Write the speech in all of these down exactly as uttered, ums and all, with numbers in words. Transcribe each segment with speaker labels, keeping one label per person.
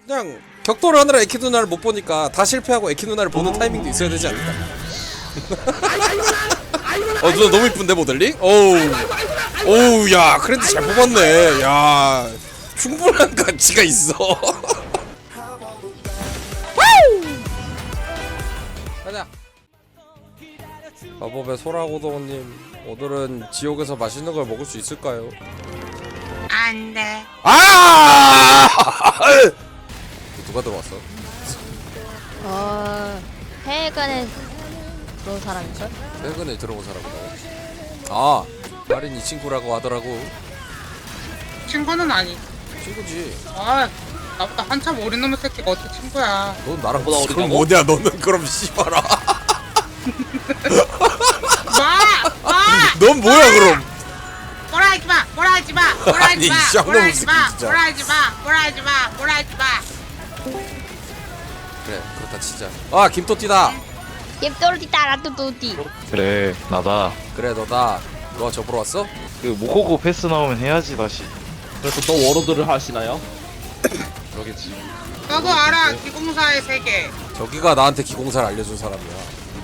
Speaker 1: 그냥 격돌을 하느라 에키 누나를 못 보니까 다 실패하고 에키 누나를 보는 타이밍도 있어야 되지 않을까? 어 누나 너무 이쁜데 모델링? 어우 어우 야 크랜드 잘 뽑았네. 야 충분한 가치가 있어. 가자. 마법의 소라고동님 오늘은 지옥에서 맛있는 걸 먹을 수 있을까요?
Speaker 2: 안돼.
Speaker 1: 아! 누가 들어왔어?
Speaker 3: 어... 해외관에 들어온 사람인걸?
Speaker 1: 최근에 들어온 사람이다. 아, 마린 이 친구라고 하더라고.
Speaker 2: 친구는 아니.
Speaker 1: 친구지.
Speaker 2: 아, 나보다 한참 어린 놈의 새끼가 어떻게 친구야?
Speaker 1: 넌 나랑
Speaker 4: 보다
Speaker 1: 그럼
Speaker 4: 어리다고?
Speaker 1: 뭐냐? 너는 그럼 씨발아.
Speaker 2: 마, 마.
Speaker 1: 넌 뭐야 그럼?
Speaker 2: 뭐라 하지 마, 뭐라 하지 마, 뭐라
Speaker 1: 아니,
Speaker 2: 하지 마,
Speaker 1: 쌍놈
Speaker 2: 뭐라 하지 마,
Speaker 1: 새끼 진짜.
Speaker 2: 뭐라 하지 마, 뭐라 하지 마, 뭐라 하지 마.
Speaker 1: 그래, 그렇다 진짜. 아, 김토띠다.
Speaker 3: 옙또르디 따라뚜뚜띠.
Speaker 4: 그래 나다.
Speaker 1: 그래, 너다. 너가 접으러 왔어?
Speaker 4: 그 모코고 패스 나오면 해야지 다시.
Speaker 5: 그래서 또 워로드를 하시나요?
Speaker 4: 그러겠지.
Speaker 2: 너도 알아, 기공사의 세계.
Speaker 1: 저기가 나한테 기공사를 알려준 사람이야.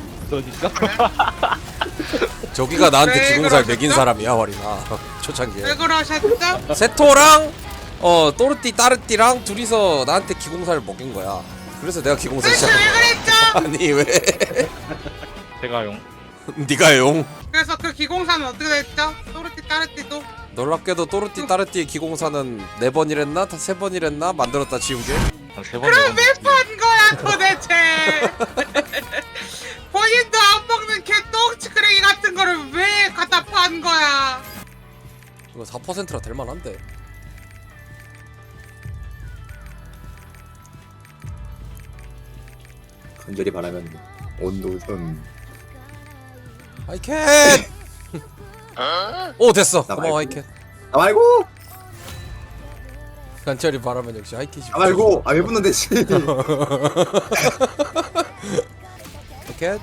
Speaker 5: 그러니까
Speaker 1: 저기가 나한테
Speaker 2: 왜
Speaker 1: 기공사를
Speaker 2: 그러셨죠?
Speaker 1: 매긴 사람이야, 와리나. 초창기에.
Speaker 2: 왜 그러셨죠?
Speaker 1: 세토랑 어 또르띠 따르띠랑 둘이서 나한테 기공사를 먹인 거야. 그래서 내가 기공사
Speaker 2: 대체
Speaker 1: 시작한
Speaker 2: 왜
Speaker 1: 거야.
Speaker 2: 그랬죠?
Speaker 1: 아니 왜?
Speaker 4: 제가용.
Speaker 1: 네가 용.
Speaker 2: 그래서 그 기공사는 어떻게 됐죠? 또르띠 따르띠도
Speaker 1: 놀랍게도 또르띠 따르띠의 기공사는 네 번이랬나? 다 세 번이랬나? 만들었다 지운 게.
Speaker 4: 한 세 번.
Speaker 2: 그럼 왜 판 거야 도대체? 본인도 안 먹는 개 똥치크레기 같은 거를 왜 갖다 판 거야?
Speaker 1: 이거 사 퍼센트라 될 만한데.
Speaker 6: 간절히 바라면 온도선
Speaker 1: 하이캣! 오 됐어.
Speaker 6: 나
Speaker 1: 고마워
Speaker 6: 말고.
Speaker 1: 하이캣.
Speaker 6: 아 말고
Speaker 1: 간절히 바라면 역시 하이캣이.
Speaker 6: 아 말고 아 왜 붙는데 씨.
Speaker 1: 하이캣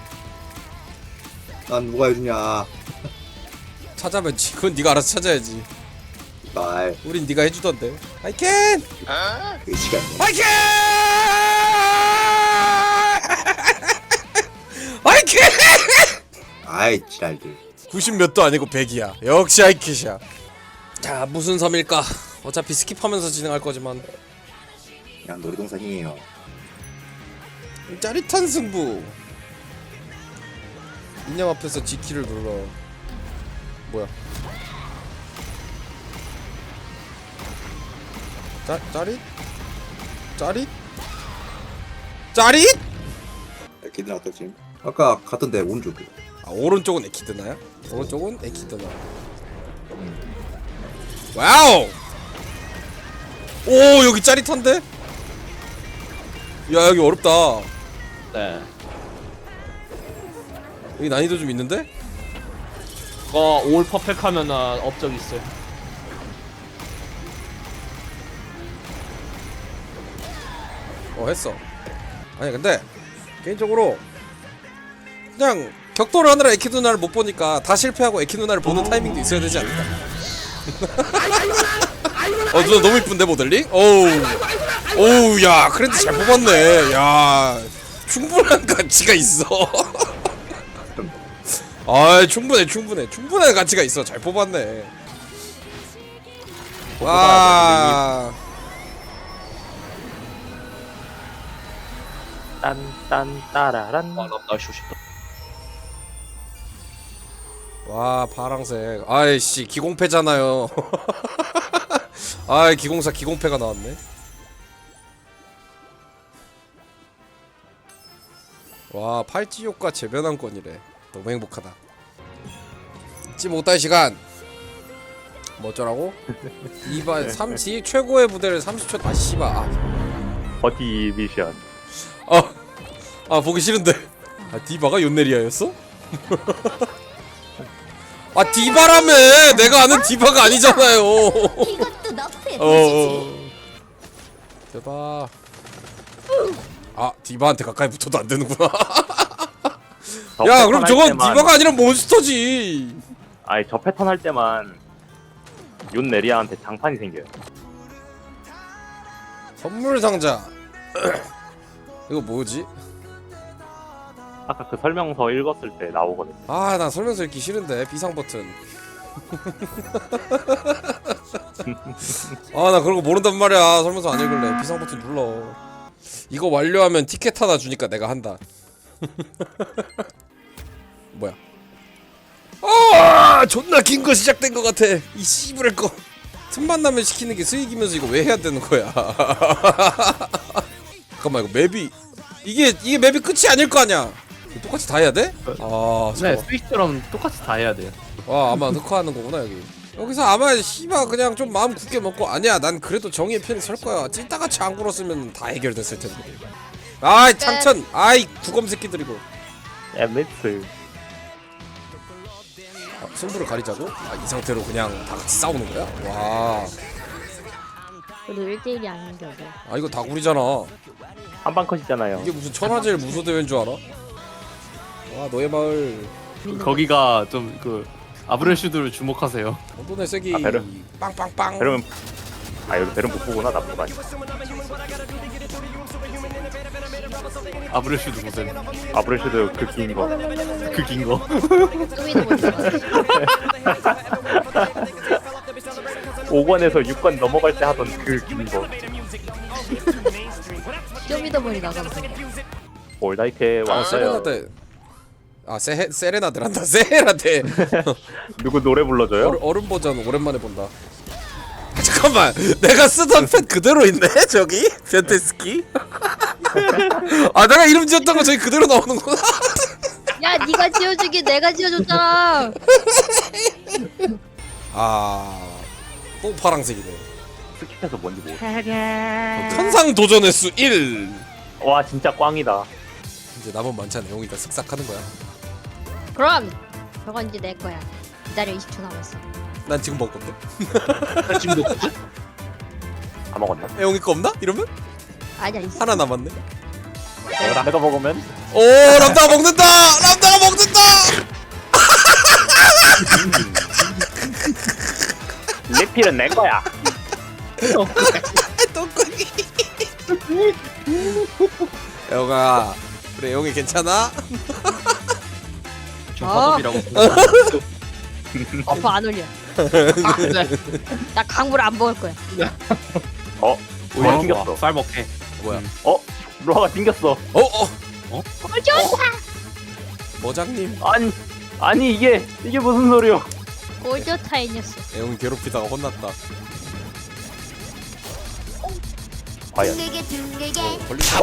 Speaker 6: 난 누가 해주냐
Speaker 1: 찾아면지. 그건 네가 알아서 찾아야지.
Speaker 6: 말
Speaker 1: 우린 네가 해주던데. 하이캣!
Speaker 6: 그 시간
Speaker 1: 하이캣! 하이캣!
Speaker 6: 아이 지랄들
Speaker 1: 구십 몇도 아니고 백이야. 역시 하이캣이야. 자 무슨 섬일까? 어차피 스킵하면서 진행할 거지만
Speaker 6: 그냥 놀이동산이에요.
Speaker 1: 짜릿한 승부. 인형 앞에서 G키를 눌러. 뭐야? 짜 짜릿? 짜릿? 짜릿?
Speaker 6: 에키드 어떻지? 아까 갔던데 오른쪽
Speaker 1: 아 오른쪽은 에키드나야? 오른쪽은 에키드나. 와우! 오 여기 짜릿한데? 야 여기 어렵다.
Speaker 5: 네.
Speaker 1: 여기 난이도 좀 있는데?
Speaker 5: 그거 올 퍼펙트 하면은 업적 있어요.
Speaker 1: 어 했어. 아니 근데 개인적으로 그냥 격돌을 하느라 에키 누나를 못 보니까 다 실패하고 에키 누나를 보는 타이밍도 있어야 되지 않을까? 어 누나 너무 이쁜데 모델링? 어우 어우 야 크랜드 잘 뽑았네. 야 충분한 가치가 있어. 아 충분해 충분해 충분한 가치가 있어. 잘 뽑았네. 와
Speaker 4: 딴딴 따라란. 아, 나 쉬고 싶다.
Speaker 1: 와 파랑색. 아이씨 기공패잖아요. 아이 기공사 기공패가 나왔네. 와 팔찌 효과 재변환권이래. 너무 행복하다. 잊지 못할 시간. 뭐 어쩌라고? 이바 삼시 최고의 부대를 삼십 초. 아 씨발. 아,
Speaker 4: 버티 미션.
Speaker 1: 아, 아 보기 싫은데. 아 디바가 요네리아였어? 아 디바라며. 내가 아는 디바가 아니잖아요.
Speaker 3: 이것도 너프의
Speaker 1: 어, 어. 대박. 아 디바한테 가까이 붙어도 안 되는구나. 야 그럼 저건 디바가 아니라 몬스터지.
Speaker 7: 아니 저 패턴 할 때만 윤 네리아한테 장판이 생겨요.
Speaker 1: 선물 상자. 이거 뭐지?
Speaker 4: 아까 그 설명서 읽었을 때 나오거든.
Speaker 1: 아, 나 설명서 읽기 싫은데 비상 버튼. 아, 나 그런 거 모른단 말이야. 설명서 안 읽을래. 비상 버튼 눌러. 이거 완료하면 티켓 하나 주니까 내가 한다. 뭐야? 아, 존나 긴 거 시작된 거 같아. 이 씨부랄 거. 틈만 나면 시키는 게 수익이면서 이거 왜 해야 되는 거야? 잠깐만, 이거 맵이 이게 이게 맵이 끝이 아닐 거 아니야? 똑같이 다 해야 돼? 아,
Speaker 5: 네,
Speaker 1: 잠깐만.
Speaker 5: 스위치처럼 똑같이 다 해야 돼요.
Speaker 1: 와, 아마 흑화하는 거구나 여기. 여기서 아마 씨바 그냥 좀 마음 굳게 먹고 아니야, 난 그래도 정의의 편에 설 거야. 찐따같이 안 굴었으면 다 해결됐을 텐데. 아이 창천, 아이 구검 새끼들이고.
Speaker 4: 에미트.
Speaker 1: 아, 승부를 가리자고? 아, 이 상태로 그냥 다 같이 싸우는 거야? 와,
Speaker 3: 그래도 일 대일이 아닌 게 어때?
Speaker 1: 아 이거 다구리잖아.
Speaker 4: 한방 컷이잖아요.
Speaker 1: 이게 무슨 천하제일 무소 대회인 줄 알아? 와, 너의 마을.
Speaker 5: 거기가 좀 그 아브렐슈드를 주목하세요.
Speaker 1: 어돈의 세기.
Speaker 4: 아, 베르.
Speaker 1: 빵빵빵.
Speaker 4: 베르면 아 여기 베르 못 보구나 나쁜 거 아니야.
Speaker 5: 아브렐슈드 보세요.
Speaker 4: 아브레슈드 그 긴 거.
Speaker 5: 그 긴 거.
Speaker 3: 쪼미도 못 들어.
Speaker 4: 오 권에서 육 권 넘어갈 때 하던 그 긴 거.
Speaker 3: 쪼미도 머리 나가면서.
Speaker 4: 올다이케
Speaker 1: 아,
Speaker 4: 왔어요.
Speaker 1: 세레나데. 아, 세 세레나데란다. 세레나데.
Speaker 4: 누구 노래 불러줘요?
Speaker 1: 얼, 얼음 버전 오랜만에 본다. 잠깐만, 내가 쓰던 펜 그대로 있네 저기 펜테스키. 아, 내가 이름 지었던 거 저기 그대로 나오는구나.
Speaker 3: 야, 네가 지어주기 내가 지어줬잖아.
Speaker 1: 아, 또 파랑색이네.
Speaker 4: 스킵해서 뭔지 모르.
Speaker 1: 천상 도전 횟수 일.
Speaker 4: 와 진짜 꽝이다.
Speaker 1: 이제 남은 만찬 내용이니까 쓱싹하는 거야.
Speaker 3: 그럼 저건 이제 내 거야. 기다려, 이십 초 남았어.
Speaker 1: 난 지금 먹을 건데.
Speaker 5: 지금도
Speaker 4: 다 먹었나?
Speaker 1: 애용이 거 없나? 이러면
Speaker 3: 아니야, 있어.
Speaker 1: 하나 남았네.
Speaker 4: 내가 먹으면
Speaker 1: 오, 람다가 먹는다. 람다가 먹는다.
Speaker 4: 리필은 내 거야.
Speaker 1: 똥꼬니. 애용아, 그래 애용이 괜찮아?
Speaker 5: 좀
Speaker 3: 어.
Speaker 5: 화sob이라고.
Speaker 3: 어퍼 안 올려.
Speaker 5: 아, 네.
Speaker 3: 나 강물 안 먹을 거야.
Speaker 4: 어? 로아 튕겼어.
Speaker 5: 쌀 먹게.
Speaker 1: 뭐야?
Speaker 4: 어? 로아가 튕겼어.
Speaker 1: 어, 어,
Speaker 3: 꿀 좋다.
Speaker 1: 머장님.
Speaker 4: 아니 아니 이게 이게 무슨 소리야?
Speaker 3: 꿀 좋다, 이 녀석.
Speaker 1: 애용이 괴롭히다가 혼났다.
Speaker 4: 과연.
Speaker 1: 걸리지.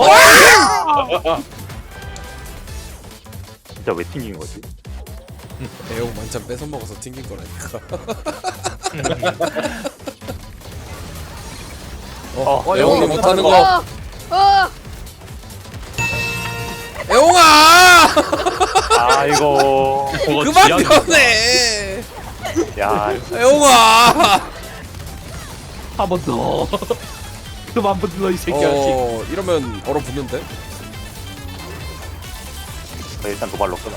Speaker 4: 진짜 왜 튕긴 거지?
Speaker 1: 애용 만찬 뺏어 먹어서 튕긴 거라니까.
Speaker 4: 어,
Speaker 1: 어, 애용이
Speaker 4: 애용이
Speaker 1: 못하는
Speaker 4: 못하는
Speaker 1: 거.
Speaker 3: 어, 어.
Speaker 1: 애용아,
Speaker 4: 아이고.
Speaker 1: 그만 변해.
Speaker 4: 야
Speaker 1: 애용아.
Speaker 5: 한 번 더. 그만 불러 이 새끼야.
Speaker 1: 어, 이러면 얼어붙는데.
Speaker 4: 일단 도발로 끊어.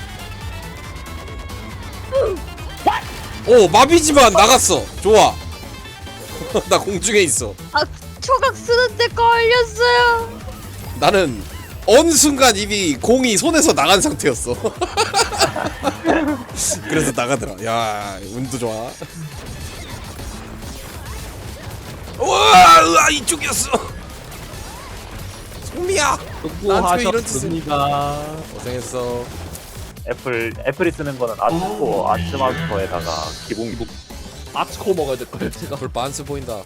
Speaker 1: 오, 마비지만 나갔어. 좋아. 나 공중에 있어.
Speaker 3: 아, 초각 쓰는데 걸렸어요.
Speaker 1: 나는 어느 순간 이미 공이 손에서 나간 상태였어. 그래서 나가더라. 야, 운도 좋아. 우와, 으아, 이쪽이었어. 소미야, 나한테 왜 이런 짓을?
Speaker 5: 수고하셨습니다.
Speaker 1: 고생했어.
Speaker 4: 애플 애플이 쓰는 거는 아츠코 아츠마스터에다가 기본
Speaker 5: 아츠코 먹어야 될 거예요 제가.
Speaker 1: 불 반스 보인다.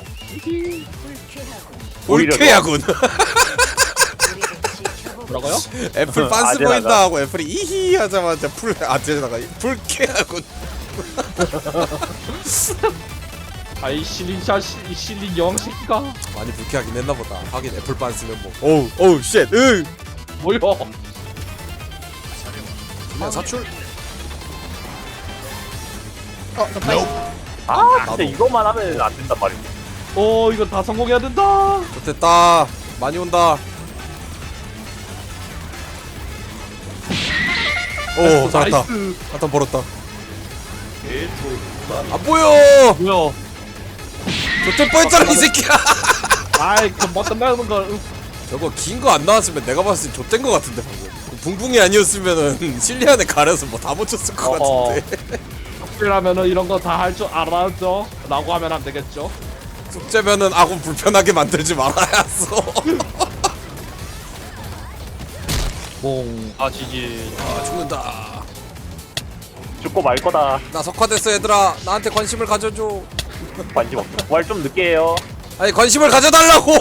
Speaker 4: 오히려
Speaker 1: 불쾌야군.
Speaker 5: 뭐라고요?
Speaker 1: 애플 반스
Speaker 4: 아재나가.
Speaker 1: 보인다 하고 애플이 이히 하자마자 풀 아재나가 불쾌야군.
Speaker 5: 아이 실린 샤시 이 실린 여왕 새끼가.
Speaker 1: 많이 불쾌하긴 했나 보다. 하긴 애플 반스면 뭐. 오우 오우 쉣. 으.
Speaker 5: 뭐야?
Speaker 1: 그냥 사출.
Speaker 3: 어, 너 빨리.
Speaker 4: 아
Speaker 1: 나도.
Speaker 4: 진짜 이것만 하면 안 된단 말이지.
Speaker 5: 어 이거 다 성공해야 된다.
Speaker 1: 좋됐다. 많이 온다. 오, 잘했다.
Speaker 5: 나이스.
Speaker 1: 한탄 벌었다. 안 보여.
Speaker 5: 뭐야?
Speaker 1: 좋될 뻔했잖아 이 새끼야.
Speaker 5: 아이 금방 끝나는 걸. 응.
Speaker 1: 저거 긴 거 안 나왔으면 내가 봤을 때 좆된 거 같은데 방금. 붕붕이 아니었으면은 실리안에 가려서 뭐 다 묻혔을 것
Speaker 5: 어허.
Speaker 1: 같은데.
Speaker 5: 숙제라면은 이런 거 다 할 줄 알았죠? 라고 하면 안 되겠죠?
Speaker 1: 숙제면은 아군 불편하게 만들지 말아야어.
Speaker 5: 봉. 아 지지.
Speaker 1: 아 죽는다.
Speaker 4: 죽고 말 거다.
Speaker 1: 나 석화됐어 얘들아. 나한테 관심을 가져줘.
Speaker 4: 관심 없어. 부활 좀 늦게 해요.
Speaker 1: 아니 관심을 가져달라고.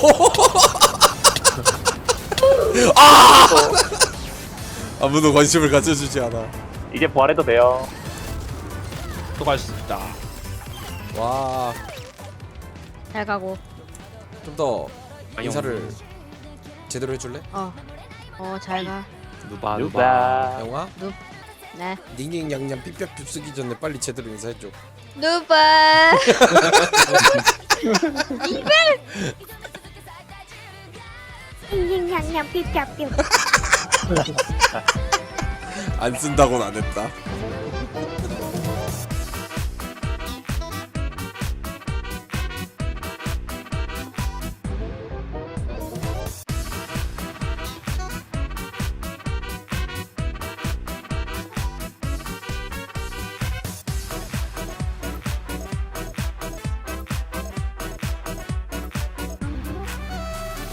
Speaker 1: 아! 아무도 관심을 가져주지 않아.
Speaker 4: 이제 부활해도 돼요.
Speaker 5: 또 갈 수 있다.
Speaker 1: 와,
Speaker 3: 잘 가고.
Speaker 1: 좀 더 인사를 제대로 해줄래?
Speaker 3: 어. 어, 잘 가.
Speaker 5: 누바 누바.
Speaker 4: 누가
Speaker 1: 영화?
Speaker 3: 네.
Speaker 1: 닝닝 양양 삐삐 쓰기 전에 빨리 제대로 인사해줘.
Speaker 3: 누바.
Speaker 7: 잉잉냥냥 삐삐삐
Speaker 1: 안 쓴다고는 안 했다.